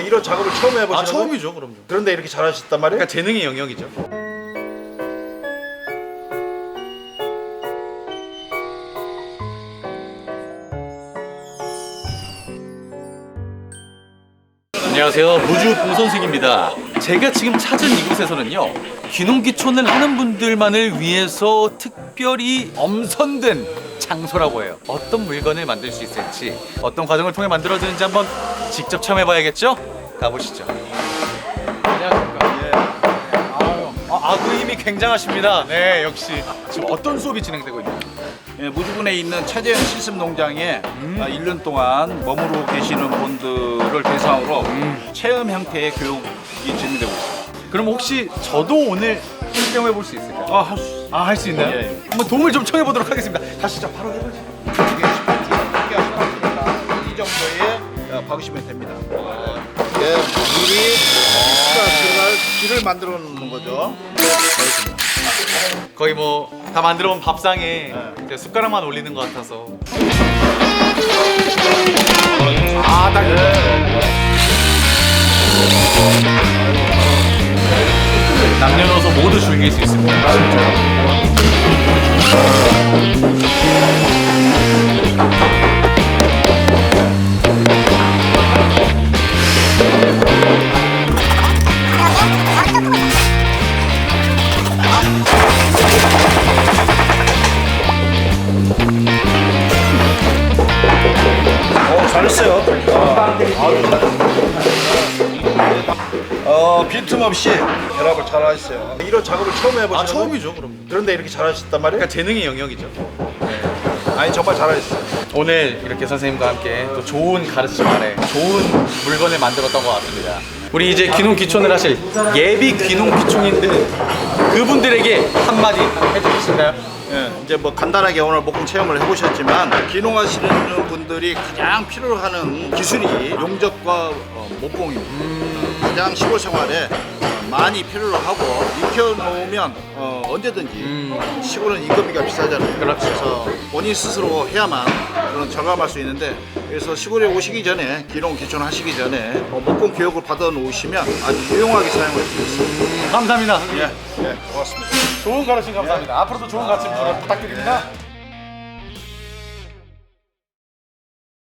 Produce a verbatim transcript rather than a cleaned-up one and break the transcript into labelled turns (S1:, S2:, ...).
S1: 이런 작업을 처음 해보시는
S2: 아
S1: 거예요?
S2: 처음이죠, 그럼요.
S1: 그런데 이렇게 잘하셨단 말이에요?
S2: 그러니까 재능의 영역이죠. 안녕하세요, 무주봉 선생입니다. 제가 지금 찾은 이곳에서는요, 귀농귀촌을 하는 분들만을 위해서 특별히 엄선된 장소라고 해요. 어떤 물건을 만들 수 있을지, 어떤 과정을 통해 만들어지는지 한번 직접 체험해봐야겠죠? 가보시죠. 안녕하십니까. 예. 아유, 아, 아구 힘이 굉장하십니다. 네, 역시. 지금 어떤 수업이 진행되고 있나요?
S3: 예, 무주군에 있는 차재현 실습농장에
S2: 음.
S3: 아, 일 년 동안 머무르고 계시는 분들을 대상으로
S2: 음.
S3: 체험 형태의 교육이 진행되고 있습니다.
S2: 그럼 혹시 저도 오늘 실경해 볼 수 있을까요?
S3: 아, 할 수,
S2: 아, 할 수 있나요?
S3: 예, 예.
S2: 한번 도움을 좀 청해 보도록 하겠습니다. 가시죠. 바로 해보죠.
S3: 이 정도의 어, 박으시면 됩니다. 예, 물이 수가 들어갈 길을 만들어 놓는 거죠.
S2: 거의 뭐 다 만들어 온 밥상에 이제 숟가락만 올리는 것 같아서. 아, 딱. 남녀노소 모두 즐길 수 있습니다.
S1: 어, 잘했어요. 어, 빈틈없이 결합을 잘하셨어요. 이런 작업을 처음 해보시는
S2: 아,
S1: 거예요?
S2: 처음이죠, 그럼요.
S1: 그런데 이렇게 잘하셨단 말이에요?
S2: 그러니까 재능의 영역이죠.
S1: 아니, 정말 잘하셨어요.
S2: 오늘 이렇게 선생님과 함께 또 좋은 가르침 아래 좋은 물건을 만들었던 것 같습니다. 우리 이제 귀농 귀촌을 하실 예비 귀농 귀촌인들 그분들에게 한마디 해주실까요?
S3: 예, 이제 뭐 간단하게 오늘 목공 체험을 해보셨지만 귀농하시는 분들이 가장 필요로 하는 기술이 용접과 어, 목공입니다. 가장 시골 생활에 어, 많이 필요로 하고 익혀놓으면 어, 언제든지 시골은 인건비가 비싸잖아요.
S2: 그렇죠.
S3: 그래서 본인 스스로 해야만 그런 절감할 수 있는데 그래서 시골에 오시기 전에 귀농 귀촌 하시기 전에 어, 목공 교육을 받아 놓으시면 아주 유용하게 사용할 수 있습니다.
S2: 감사합니다. 선생님.
S3: 예, 예, 고맙습니다.
S2: 좋은 가르침 감사합니다. 앞으로도 좋은 가르침 부탁드립니다.